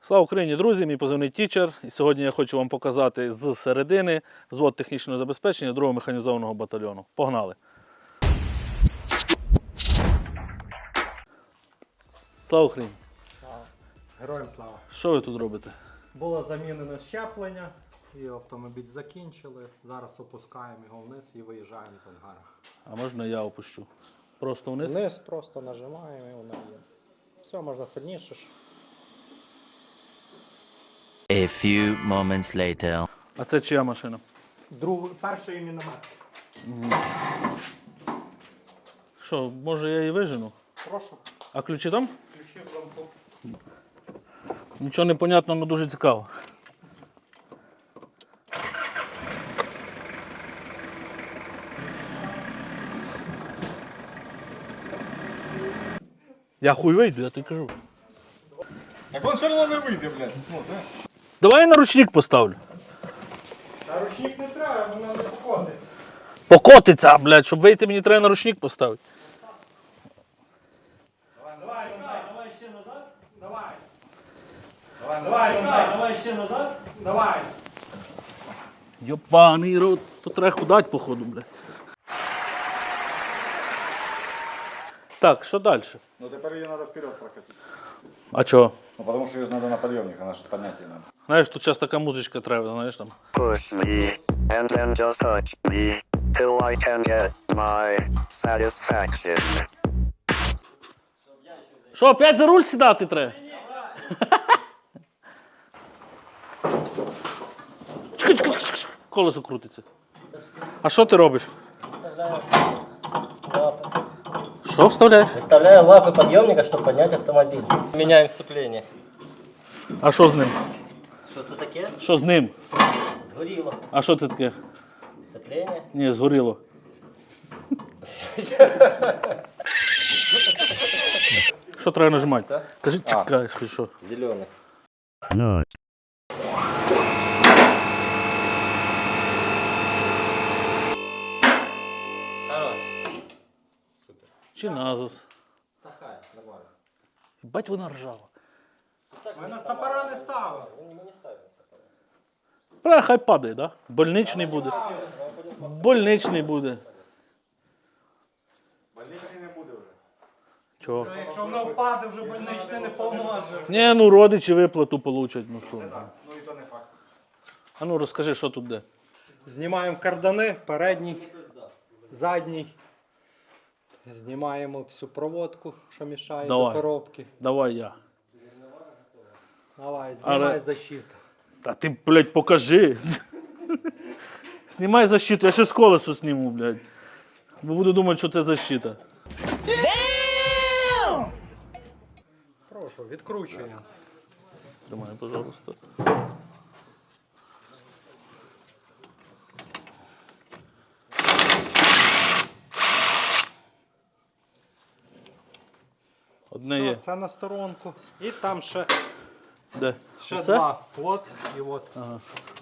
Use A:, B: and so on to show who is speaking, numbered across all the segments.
A: Слава Україні, друзі! Мій позивний Тічер. І сьогодні я хочу вам показати з середини взвод технічного забезпечення 2-го механізованого батальйону. Погнали! Слава Україні!
B: Героям слава!
A: Що ви тут робите?
B: Було замінено щеплення і автомобіль закінчили. Зараз опускаємо його вниз і виїжджаємо з ангара.
A: А можна я опущу? Просто вниз?
B: Вниз просто нажимаємо і воно є. Все, можна сильніше.
C: A few moments later.
A: А це чия машина?
B: Перший міномет.
A: Що, може я її вижену?
B: Прошу.
A: А ключі там?
B: Ключі в замку.
A: Нічого не понятно, але дуже цікаво. Я хуй вийду, я тобі кажу.
D: Так он все одно не вийде, блядь. Ну, це.
A: Давай я на ручник поставлю.
B: А ручник не треба, воно не покотиться.
A: Покотиться, блядь, щоб вийти, мені треба на ручник поставити.
B: Давай ще назад. Давай. Давай ще назад. Давай.
A: Йопаний рот, то треба худать, походу, блядь. Так, що далі?
D: Ну тепер її треба вперед прокатити.
A: А чого?
D: Ну тому що її треба на підйомник, вона ж підняти її треба.
A: Знаєш, тут зараз така музичка треба, знаєш там.
E: Push me, and then just touch me, till I can get my satisfaction.
A: Що, опять за руль сідати треба? Чекай. Колесо крутиться. А що ти робиш? Що вставляєш?
F: Вставляю лапы подъемника, чтобы поднять автомобиль. Меняем сцепление.
A: А що з ним?
F: Что это таке?
A: Що з ним?
F: Сгорело.
A: А що це таке?
F: Сцепление.
A: Ні, згоріло. Що треба нажимати? Кажи, чекай, що?
F: Зеленый. Хорош.
A: Чи назас?
F: Такая, нормально.
A: Бать вона ржава.
B: Ми на стопора не ставили.
F: Мы не ставим стопора.
A: Бля, хай падає, да? Больничний буде. Больничний буде.
D: Больничний не буде вже.
A: Чого?
B: Якщо воно впаде, вже больничний не поможе.
A: Ні, ну родичі виплату получать, ну що.
D: Ну і то не факт.
A: А ну розкажи, що тут де.
B: Знімаємо кардани, передній, задній. Знімаємо всю проводку, що мішає
A: Давай.
B: до коробки.
A: Давай я.
B: Давай, знімай
A: Але-
B: защиту.
A: Та ти, блядь, покажи. Знімай защиту, я ще з колесу зніму, блядь. Бо буду думати, що це защита.
B: Прошу, відкручуємо.
A: Тримай, пожалуйста. Одне
B: Все,
A: є.
B: це на сторонку. І там ще
A: Де?
B: Ще
A: Оце?
B: два. От і от.
A: Ага.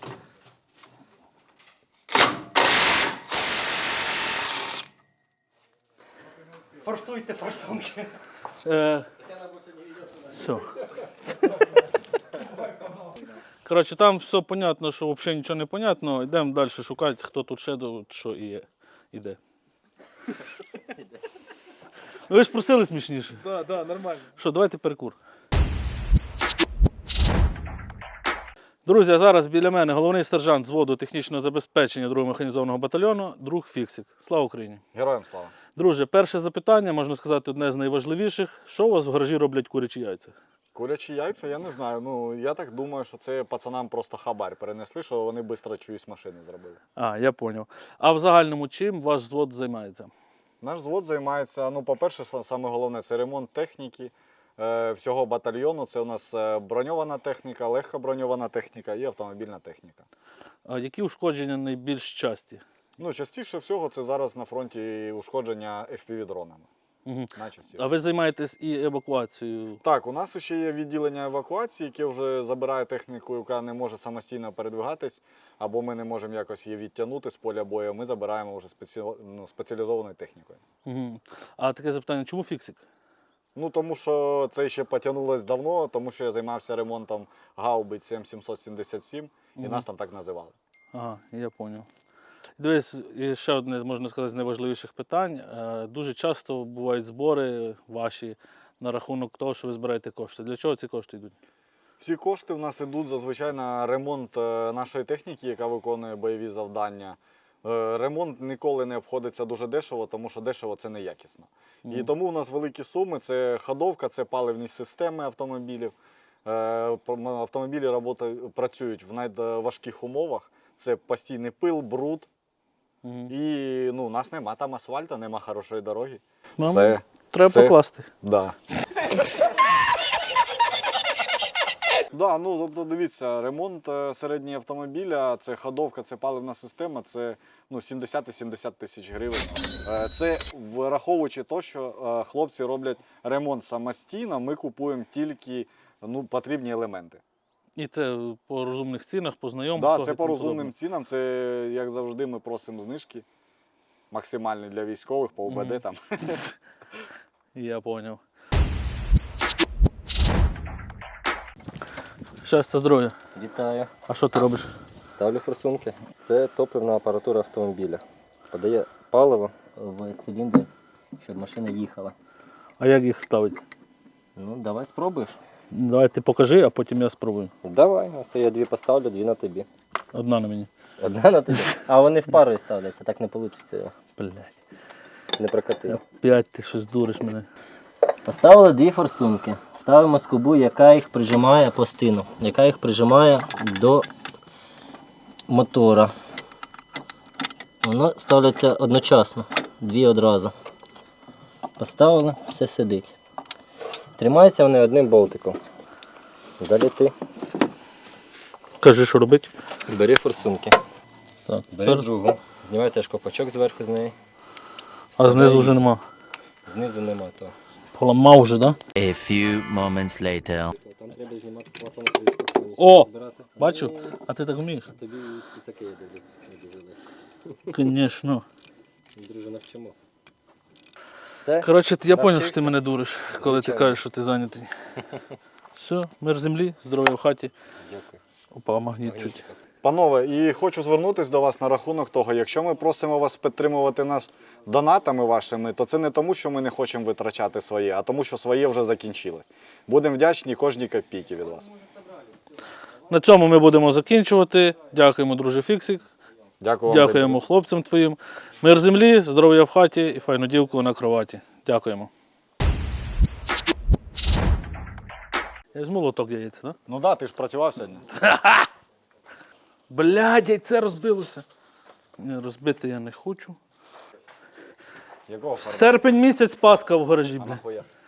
B: Форсуйте форсунки.
A: Все. Коротше, там все понятно, що взагалі нічого не понятно. Йдемо далі шукати, хто тут ще що іде. Ви ж просили смішніше.
D: Да, нормально.
A: Що, давайте перекур. Друзі, а зараз біля мене головний сержант взводу технічного забезпечення 2-го механізованого батальйону, друг Фіксик. Слава Україні!
D: Героям слава.
A: Друже, перше запитання, можна сказати, одне з найважливіших. Що у вас в гаражі роблять курячі яйця?
D: Курячі яйця, я не знаю. Ну, я так думаю, що це пацанам просто хабар перенесли, що вони швидко чиюсь машини зробили.
A: А, я зрозумів. А в загальному чим ваш взвод займається?
D: Наш взвод займається, ну, по-перше, саме головне, це ремонт техніки всього батальйону. Це у нас броньована техніка, легко броньована техніка і автомобільна техніка.
A: А які ушкодження найбільш часті?
D: Ну, частіше всього це зараз на фронті ушкодження FPV-дронами.
A: Угу.
D: Найчастіше.
A: А ви займаєтесь і евакуацією?
D: Так, у нас ще є відділення евакуації, яке вже забирає техніку, яка не може самостійно передвигатись, або ми не можемо якось її відтягнути з поля бою. Ми забираємо вже спеціалізованою технікою.
A: Угу. А таке запитання, чому Фіксик?
D: Ну, тому що це ще потягнулось давно, тому що я займався ремонтом гаубиць М777, і нас там так називали.
A: Ага, я зрозумів. Дивись, і ще одне, можна сказати, з найважливіших питань. Дуже часто бувають збори ваші на рахунок того, що ви збираєте кошти. Для чого ці кошти йдуть?
D: Всі кошти в нас йдуть зазвичай на ремонт нашої техніки, яка виконує бойові завдання. Ремонт ніколи не обходиться дуже дешево, тому що дешево це неякісно. І тому у нас великі суми, це ходовка, це паливні системи автомобілів. Автомобілі працюють в найважких умовах. Це постійний пил, бруд. І у нас нема там асфальту, нема хорошої дороги.
A: Треба покласти.
D: Да. Да, тобто дивіться, ремонт середнього автомобіля, це ходовка, це паливна система, це 70-70 тисяч гривень. Це враховуючи те, що хлопці роблять ремонт самостійно, ми купуємо тільки потрібні елементи.
A: І це по розумних цінах, по знайомствах.
D: Так, це
A: і
D: по
A: тому
D: розумним
A: подобне.
D: цінам, це, як завжди, ми просимо знижки максимальні для військових, по УБД там.
A: Я зрозумів. Щастя, здоров'я.
F: Вітаю.
A: А що ти робиш?
F: Ставлю форсунки. Це топливна апаратура автомобіля. Подає паливо в циліндр, щоб машина їхала.
A: А як їх ставити?
F: Ну, давай спробуєш.
A: Давай ти покажи, а потім я спробую.
F: Давай, ось я 2 поставлю, 2 на тобі.
A: Одна на мені.
F: Одна на тобі. А вони в пару ставляться, так не вийде.
A: Блядь.
F: Не прокатило.
A: Опять ти щось дуриш мене.
F: Поставили 2 форсунки. Ставимо скобу, яка їх прижимає пластину, яка їх прижимає до мотора. Воно ставляться одночасно, 2 одразу. Поставили, все сидить. Тримаються вони одним болтиком. Далі ти
A: Кажи, що робити.
F: бери форсунки.
A: Так.
F: Бери другу. Знімай теж копачок зверху з неї.
A: А знизу вже нема.
F: Знизу нема того.
A: Поламав вже, так? Да?
C: A few moments later.
F: Там треба знімати клапану кришку.
A: О! Бачив? А ти так вмієш?
F: Тобі і таке я дивлюсь.
A: Звісно.
F: Друже, навчимо. Все.
A: Коротше, я зрозумів,
F: Навчився?
A: що ти мене дуриш, коли ти кажеш, що ти зайнятий. Все, мир землі, здоров'я в хаті.
F: Дякую.
A: Опа, магніт чуть.
D: Панове, і хочу звернутися до вас на рахунок того, якщо ми просимо вас підтримувати нас донатами вашими, то це не тому, що ми не хочемо витрачати своє, а тому, що своє вже закінчилось. Будемо вдячні кожній копійці від вас.
A: На цьому ми будемо закінчувати. Дякуємо, друже Фіксик.
D: Дякую вам.
A: Дякуємо хлопцям твоїм. Мир землі, здоров'я в хаті і файну дівку на кроваті. Дякуємо. Я з молоток яєць, так?
D: Ну так, ти ж працював сьогодні.
A: Блядь, яйце розбилося. Ні, розбити я не хочу.
D: Якого фарбу?
A: Серпень місяць, Пасха в гаражі,
D: А
A: бля.
D: нахуя?